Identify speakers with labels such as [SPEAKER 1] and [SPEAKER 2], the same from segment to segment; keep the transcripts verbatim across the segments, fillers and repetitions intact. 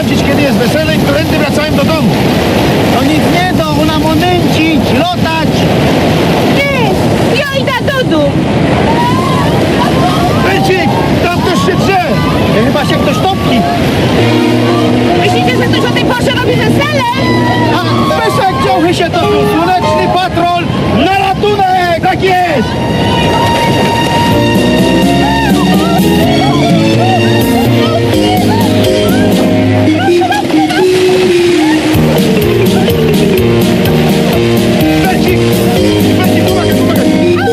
[SPEAKER 1] sprawdzić, kiedy jest wesele i którędy wracają do domu.
[SPEAKER 2] To nic nie do, ona monęcić, lotać.
[SPEAKER 3] Nie, ja idę do domu.
[SPEAKER 1] Becik, tam ktoś się drze.
[SPEAKER 2] Chyba się ktoś topi.
[SPEAKER 3] Myślicie, że ktoś o tej porze robi wesele?
[SPEAKER 2] A Peszek ciąchy się topił. Słoneczny patrol na ratunek.
[SPEAKER 1] Tak jest! Becik! Becik, pomagaj, pomagaj!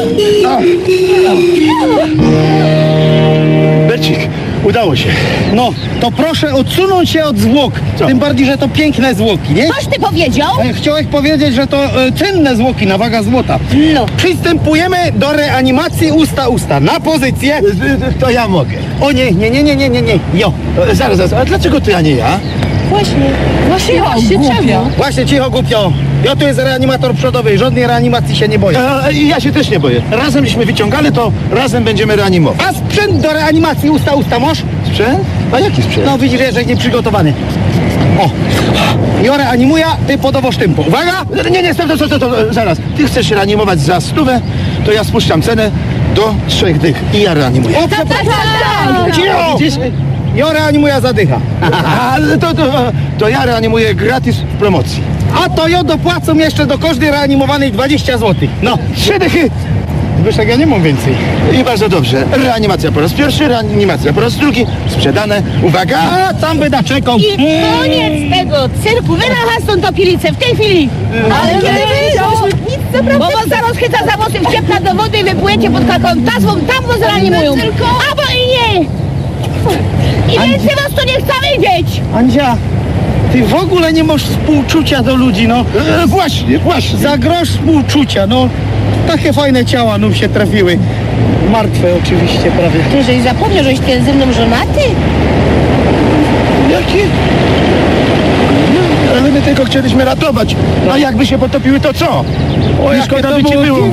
[SPEAKER 1] Becik, udało się.
[SPEAKER 2] No, to proszę odsunąć się od zwłok.
[SPEAKER 1] Co?
[SPEAKER 2] Tym bardziej, że to piękne zwłoki, nie?
[SPEAKER 3] Coś ty powiedział?
[SPEAKER 2] E, Chciałeś powiedzieć, że to e, cenne zwłoki na waga złota.
[SPEAKER 3] No.
[SPEAKER 2] Przystępujemy do reanimacji usta-usta. Na pozycję.
[SPEAKER 1] To ja mogę.
[SPEAKER 2] O nie, nie, nie, nie, nie, nie, nie. Jo.
[SPEAKER 1] E, Zaraz, zaraz, a dlaczego ty, a nie ja?
[SPEAKER 3] Właśnie. Właśnie, właśnie czemu?
[SPEAKER 2] Właśnie, cicho, głupio. Ja tu jest reanimator przodowy, żadnej reanimacji się nie boję.
[SPEAKER 1] E, I ja się też nie boję. Razem żeśmy wyciągali, to razem będziemy reanimować.
[SPEAKER 2] A sprzęt do reanimacji usta-usta masz?
[SPEAKER 1] Sprzęt? A jaki sprzęt?
[SPEAKER 2] No widzisz, że nie przygotowany. O. Ja reanimuję, ty podowo sztympo. Uwaga!
[SPEAKER 1] Nie, nie, stop, to, to, to, zaraz. Ty chcesz reanimować za stówę, to ja spuszczam cenę do trzech dych i ja reanimuję.
[SPEAKER 2] O,
[SPEAKER 3] Tak, tak, tak, tak.
[SPEAKER 2] cicho! Widzisz? Ja reanimuję zadycha.
[SPEAKER 1] A, to, to, to ja reanimuję gratis w promocji.
[SPEAKER 2] A to ja dopłacą jeszcze do każdej reanimowanej dwadzieścia złotych. No,
[SPEAKER 1] Trzy dychy
[SPEAKER 2] Zbyszek, ja nie mam więcej.
[SPEAKER 1] i bardzo dobrze. Reanimacja po raz pierwszy, reanimacja po raz drugi. Sprzedane. Uwaga!
[SPEAKER 2] A, tam by naczekał.
[SPEAKER 3] I koniec tego cyrku. Wyracha stąd topilicę w tej chwili. Ale nie wiedział. Nic naprawdę. Bo was zaraz chyta za włosy, wciepna do wody i wypłyniecie pod taką tazwą, tam was reanimują. Albo i nie. I więcej was tu nie chcę widzieć.
[SPEAKER 2] Andzia, ty w ogóle nie masz współczucia do ludzi, no.
[SPEAKER 1] E, właśnie, właśnie.
[SPEAKER 2] Za grosz współczucia, no. Takie fajne ciała no się trafiły. Martwe oczywiście prawie.
[SPEAKER 3] Ty, żeś zapomniał, żeś ty ze mną żonaty?
[SPEAKER 1] Jaki? Ale my tylko chcieliśmy ratować. A jakby się potopiły, to co? O,
[SPEAKER 2] jakie
[SPEAKER 1] szkoda
[SPEAKER 2] to
[SPEAKER 1] by ci
[SPEAKER 2] było
[SPEAKER 1] było.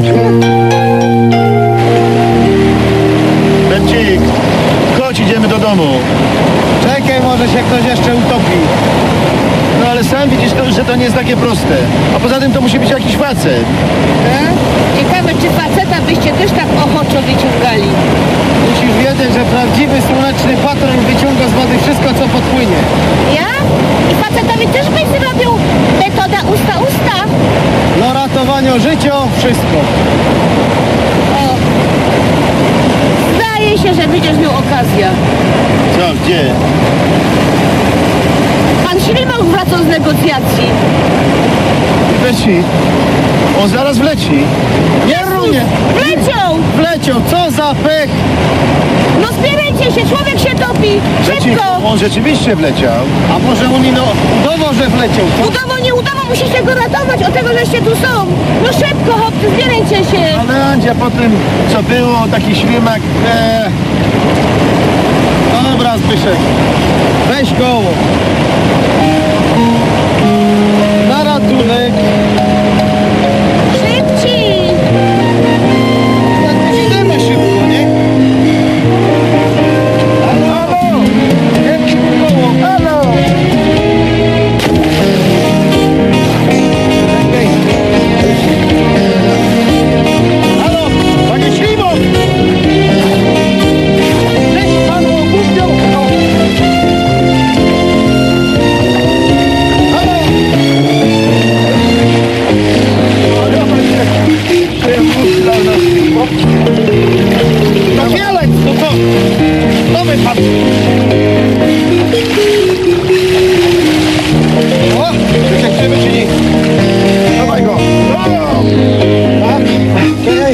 [SPEAKER 1] Becik, chodź, idziemy do domu.
[SPEAKER 2] Czekaj, może się ktoś jeszcze utopi.
[SPEAKER 1] No ale sam widzisz, to, że to nie jest takie proste. A poza tym to musi być jakiś facet.
[SPEAKER 3] E? Ciekawe, czy faceta byście też tak ochoczo wyciągali.
[SPEAKER 2] Musisz wiedzieć, że prawdziwy słoneczny patrol wyciąga z wody wszystko, co podpłynie.
[SPEAKER 3] Ja? I facetowi też byś zrobił metoda usta-usta.
[SPEAKER 2] No ratowanie życia, wszystko.
[SPEAKER 3] O. Zdaje się, że będziesz miał okazję.
[SPEAKER 1] Co, gdzie?
[SPEAKER 3] Pan Ślimak wracał z negocjacji.
[SPEAKER 1] Becik, on zaraz wleci.
[SPEAKER 2] Nie runie!
[SPEAKER 3] Wleciał!
[SPEAKER 2] Wleciał, co za pech!
[SPEAKER 3] No zbierajcie się, człowiek się topi!
[SPEAKER 1] Becik,
[SPEAKER 3] Szybko!
[SPEAKER 1] on rzeczywiście wleciał.
[SPEAKER 2] A może on ino udawał, że wleciał, co?
[SPEAKER 3] Udało, nie udało, musicie go ratować, od tego, żeście tu są! No szybko, chłopcy, zbierajcie się!
[SPEAKER 1] Ale Andzia, po tym, co było, taki ślimak... E,
[SPEAKER 2] Dobra, Zbyszek. Weź koło. Na ratunek.
[SPEAKER 3] Szybciej!
[SPEAKER 2] Idziemy szybko, nie?
[SPEAKER 1] Halo! Wielkie koło, halo! Halo, panie Ślimok!
[SPEAKER 2] Cześć panu, głupio.
[SPEAKER 1] Halo! Halo, panie... Przewóz dla nas.
[SPEAKER 2] To Fielec, no to... To wypadł.
[SPEAKER 1] O, wyciągniemy czy nie? Dawaj go! O!
[SPEAKER 2] Tak? Czekaj.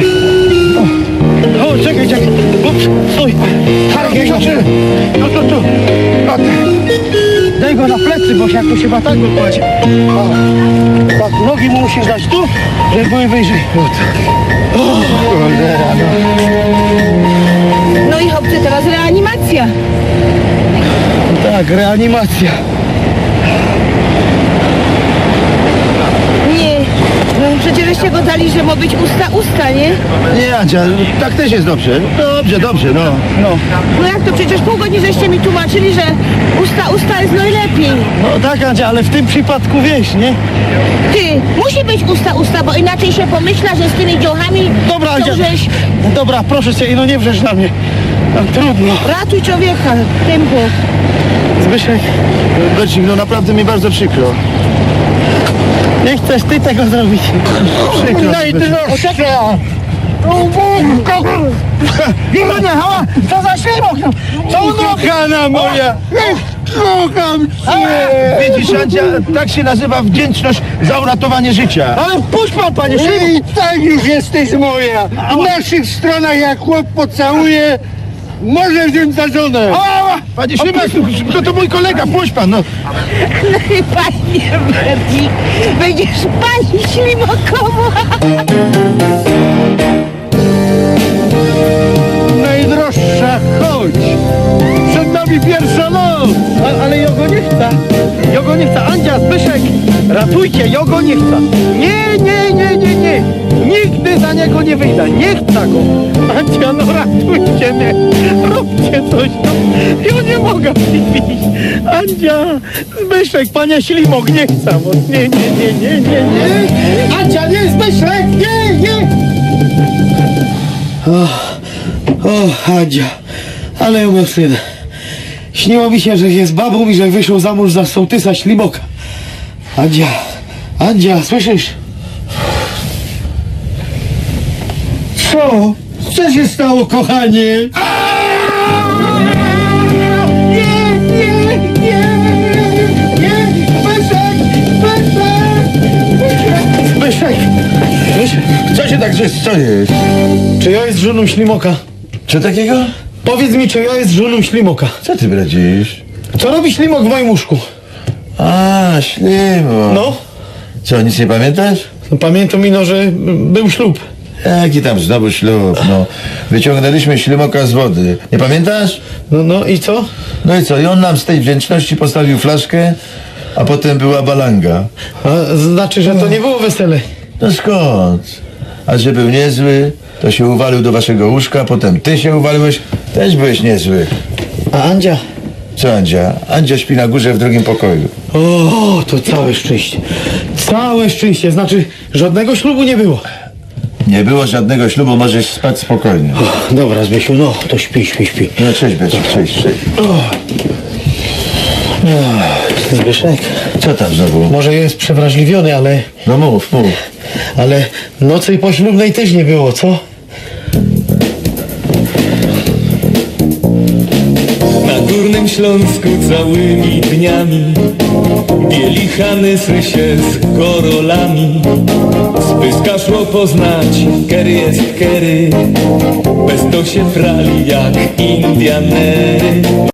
[SPEAKER 2] O, czekaj, czekaj. Ups, stój.
[SPEAKER 1] Harek, rzeczy! Tu, tu, tu! O,
[SPEAKER 2] Daj go na plecy, bo się jak tu się batak wykładzie. O, tak, nogi mu musisz dać tu, żeby były wyżej.
[SPEAKER 1] cholera, no.
[SPEAKER 3] No i chłopcy, teraz reanimacja.
[SPEAKER 2] Tak, reanimacja.
[SPEAKER 3] Nie, no przecież żeście go dali, że ma być usta-usta, nie?
[SPEAKER 1] Nie, Andzia, tak też jest dobrze. Dobrze, dobrze, no.
[SPEAKER 2] No.
[SPEAKER 3] No jak to przecież pół godziny żeście mi tłumaczyli, że usta usta jest najlepiej.
[SPEAKER 2] No tak, Andzia, ale w tym przypadku wiesz, nie?
[SPEAKER 3] Ty, musi być usta usta, bo inaczej się pomyśla, że z tymi dziołchami
[SPEAKER 2] Dobra,
[SPEAKER 3] to
[SPEAKER 2] Andzia.
[SPEAKER 3] żeś...
[SPEAKER 2] Dobra, proszę cię, no nie wrzesz na mnie. No, trudno.
[SPEAKER 3] Ratuj człowieka, tempo.
[SPEAKER 2] Zbyszek,
[SPEAKER 1] Bercik, no naprawdę mi bardzo przykro.
[SPEAKER 2] nie chcesz ty tego zrobić.
[SPEAKER 1] Przykro.
[SPEAKER 2] Najdroższa! Jeronia, hała! Co za ślimok! no? Co
[SPEAKER 1] Kochana moja! Kocham cię! Widzisz, Andzia, tak się nazywa wdzięczność za uratowanie życia.
[SPEAKER 2] Ale puść pan, panie ślimok!
[SPEAKER 4] I tak już jesteś moja. W naszych stronach jak chłop pocałuje, może wziąć za żonę.
[SPEAKER 1] Ała! Panie Ślimak, to, to mój kolega, puść pan, no.
[SPEAKER 3] No i panie Bercik, będziesz pani ślimokowa.
[SPEAKER 4] Najdroższa, chodź. Przed nami pierwsza noc.
[SPEAKER 2] A, ale Jogo nie chce. Jogo nie chce. Andzia, Zbyszek, ratujcie, Jogo nie chce. Nie, nie, nie, nie, nie. Nigdy za niego nie wyjdę. Nie chcę go. Andzia, no ratujcie mnie. Róbcie coś. No. Ja nie mogę iść. Andzia, Zbyszek, pania Ślimok nie chce. Bo nie, nie, nie, nie, nie, nie. Andzia, nie, Zbyszek, nie, nie. O, Andzia, ale ją wstyd. Śniło mi się, że jest babą i że wyszło za mąż za sołtysa Ślimoka. Andzia, Andzia, słyszysz?
[SPEAKER 4] Co? Co się stało, kochanie?
[SPEAKER 2] Nie, nie, nie, nie, Zbyszek, Zbyszek, Zbyszek, Zbyszek,
[SPEAKER 1] Co się tak, co jest?
[SPEAKER 2] czy ja jest żoną Ślimoka?
[SPEAKER 1] Co takiego?
[SPEAKER 2] Powiedz mi, czy ja jest żoną Ślimoka?
[SPEAKER 1] Co ty bradzisz?
[SPEAKER 2] Co robi Ślimok w moim łóżku?
[SPEAKER 1] A, Ślimok.
[SPEAKER 2] No,
[SPEAKER 1] Co, nic nie pamiętasz?
[SPEAKER 2] no pamiętam ino, że był ślub.
[SPEAKER 1] Jaki tam znowu ślub, no. Wyciągnęliśmy Ślimoka z wody. Nie pamiętasz?
[SPEAKER 2] No, no i co?
[SPEAKER 1] No i co, i on nam z tej wdzięczności postawił flaszkę, a potem była balanga.
[SPEAKER 2] A, znaczy, że to nie było wesele.
[SPEAKER 1] No skąd? A że był niezły, to się uwalił do waszego łóżka, potem ty się uwaliłeś, też byłeś niezły.
[SPEAKER 2] A Andzia?
[SPEAKER 1] Co Andzia? Andzia śpi na górze w drugim pokoju.
[SPEAKER 2] O, to całe szczęście. Całe szczęście, znaczy żadnego ślubu nie było.
[SPEAKER 1] Nie było żadnego ślubu, możesz spać spokojnie.
[SPEAKER 2] O, dobra, Zbysiu, no to śpi, śpi, śpi.
[SPEAKER 1] No cześć Becik, cześć, cześć.
[SPEAKER 2] Zbyszek,
[SPEAKER 1] Co tam znowu?
[SPEAKER 2] może jest przewrażliwiony, ale,
[SPEAKER 1] No mów, mów.
[SPEAKER 2] ale nocy poślubnej też nie było, co?
[SPEAKER 5] Na Górnym Śląsku całymi dniami bielichany sry się z korolami. Spyska szło poznać, kery jest kery, bez to się prali jak Indianery.